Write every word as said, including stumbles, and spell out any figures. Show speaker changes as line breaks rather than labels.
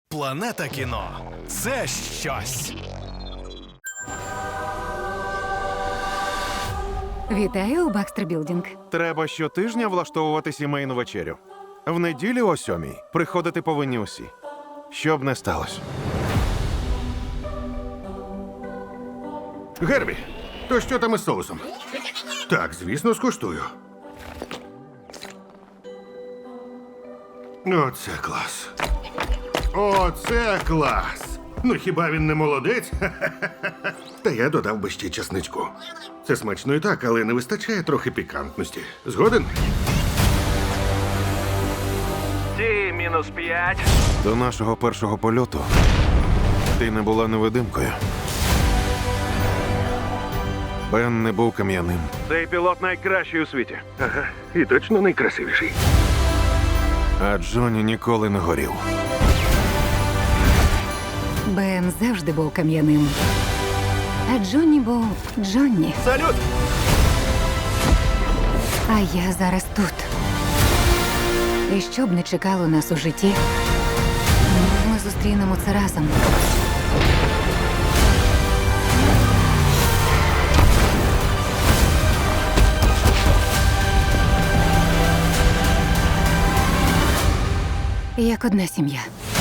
Планета кіно – це щось.
Вітаю у Бакстер Білдінг.
Треба щотижня влаштовувати сімейну вечерю. В неділю о сьомій приходити повинні усі. Щоб не сталося.
Гербі, то що там із соусом? Так, звісно, скуштую. Оце клас. Оце клас. Ну хіба він не молодець? Та я додав би ще часничку. Це смачно і так, але не вистачає трохи пікантності. Згоден?
Ті мінус п'ять.
До нашого першого польоту ти не була невидимкою. Бен не був кам'яним.
Цей пілот найкращий у світі.
Ага, і точно найкрасивіший.
А Джонні ніколи не горів.
Бен завжди був кам'яним. А Джонні був Джонні.
Салют!
А я зараз тут. І що б не чекало нас у житті, ми зустрінемо це разом. Як одна сім'я.